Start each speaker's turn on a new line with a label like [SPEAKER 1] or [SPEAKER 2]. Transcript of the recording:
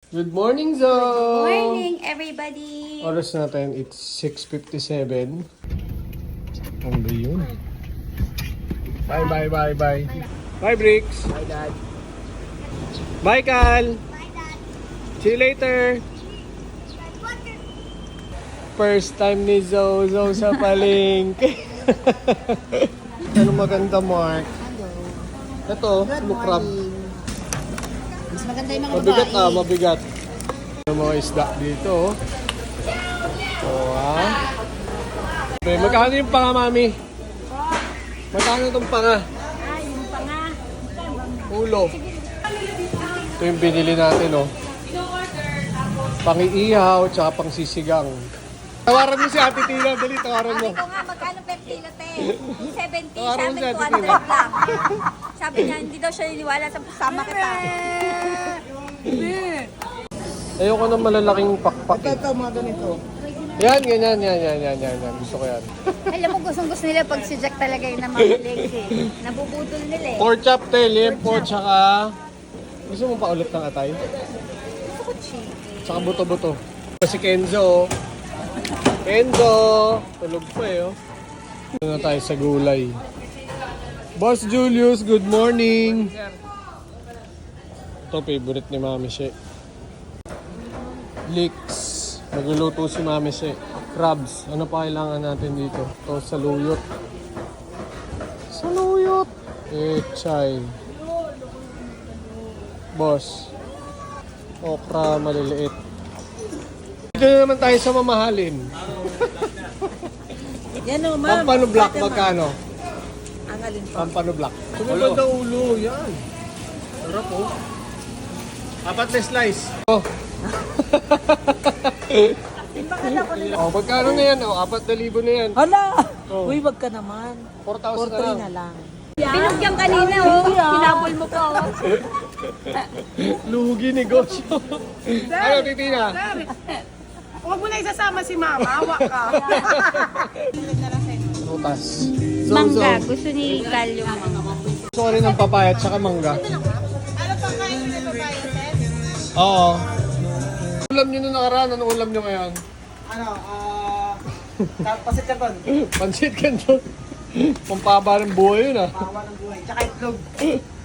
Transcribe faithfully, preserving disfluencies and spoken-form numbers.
[SPEAKER 1] Good morning, Zo!
[SPEAKER 2] Good morning, everybody!
[SPEAKER 1] Oras natin, it's six fifty-seven. Ano ba yun? Bye, bye, bye, bye. Bye, Bricks!
[SPEAKER 3] Bye, Dad.
[SPEAKER 1] Bye, Cal! See you later! First time ni Zo, Zo sa palengke. Ano maganda, Mark? Ito, lukrab.
[SPEAKER 2] Mas maganda yung mga
[SPEAKER 1] Mabigat
[SPEAKER 2] babae.
[SPEAKER 1] ah, mabigat. Yung mga isda dito. Oh, ah. Okay, magkano yung panga, mami? Magkano itong panga?
[SPEAKER 2] Ah, yung panga.
[SPEAKER 1] Ulo. Ito yung binili natin, oh. Pang-iihaw, tsaka pang-sisigang. Tawaran mo si Ate Tina, dali, tawaran mo.
[SPEAKER 2] Sabi ko nga, magkano per kilo, te? seventy,
[SPEAKER 1] Tawaran mo
[SPEAKER 2] sabi
[SPEAKER 1] si Ate
[SPEAKER 2] two hundred
[SPEAKER 1] Tina.
[SPEAKER 2] lang. Sabi niya, hindi daw siya niniwala sa sama kita.
[SPEAKER 1] Ayoko ng malalaking pakpak.
[SPEAKER 3] Ito, ito, mga ganito.
[SPEAKER 1] Yan, ganyan, yan, yan, yan, yan, yan. Gusto ko yan.
[SPEAKER 2] Alam mo, gustong gusto nila pag si Jack talaga yung namamalig eh. Nabubudol nila eh.
[SPEAKER 1] Pork chop, te, limpo, tsaka... Gusto mo pa ulit ng atay?
[SPEAKER 2] Gusto ko chicken.
[SPEAKER 1] Tsaka buto-buto. Si Kenzo. Kenzo! Tulog pa eh, oh. Ito na tayo sa gulay. Boss Julius, good morning! Ito, favorite ni Mami She. Leeks. Magluluto si Mami She. Crabs. Ano pa kailangan natin dito? Ito, saluyot. Saluyot! Eh, chay. Boss. Okra, maliliit. Dito na naman tayo sa mamahalin.
[SPEAKER 3] Yan o, ma'am.
[SPEAKER 1] Pampano Black,
[SPEAKER 3] Bakit, ma'am?
[SPEAKER 1] magkano?
[SPEAKER 3] Ang alin po?
[SPEAKER 1] Pampano Black. Sumabad na ulo, yan. Sarap po. Apat na slice. Oh.
[SPEAKER 3] Bakala ko nila.
[SPEAKER 1] Oh, magkano na yan? Oh, apat na libo na yan.
[SPEAKER 3] Hala!
[SPEAKER 1] Oh.
[SPEAKER 3] Uy, wag ka naman.
[SPEAKER 1] four thousand
[SPEAKER 3] four three
[SPEAKER 1] na
[SPEAKER 3] na
[SPEAKER 1] lang.
[SPEAKER 3] lang.
[SPEAKER 2] Pinugyan kanina oh. Pinabol mo pa oh.
[SPEAKER 1] Lugi negosyo. Ano, Titina?
[SPEAKER 4] Huwag mo na isasama si Mama, hawa ka.
[SPEAKER 1] Rutas.
[SPEAKER 2] Mangga. Gusto ni Cal yung mangga.
[SPEAKER 1] Gusto ko rin ng papaya at saka mangga.
[SPEAKER 4] Ano pang kain mo sa babae, Ted?
[SPEAKER 1] Oo. Ulam nyo na nakaraan. Anong ulam nyo ngayon?
[SPEAKER 3] Ano, ah... Uh, pasit ka doon.
[SPEAKER 1] Pansit kanton. Pampaba ng buhay yun ah.
[SPEAKER 3] Pawa ng buhay. Tsaka itlog.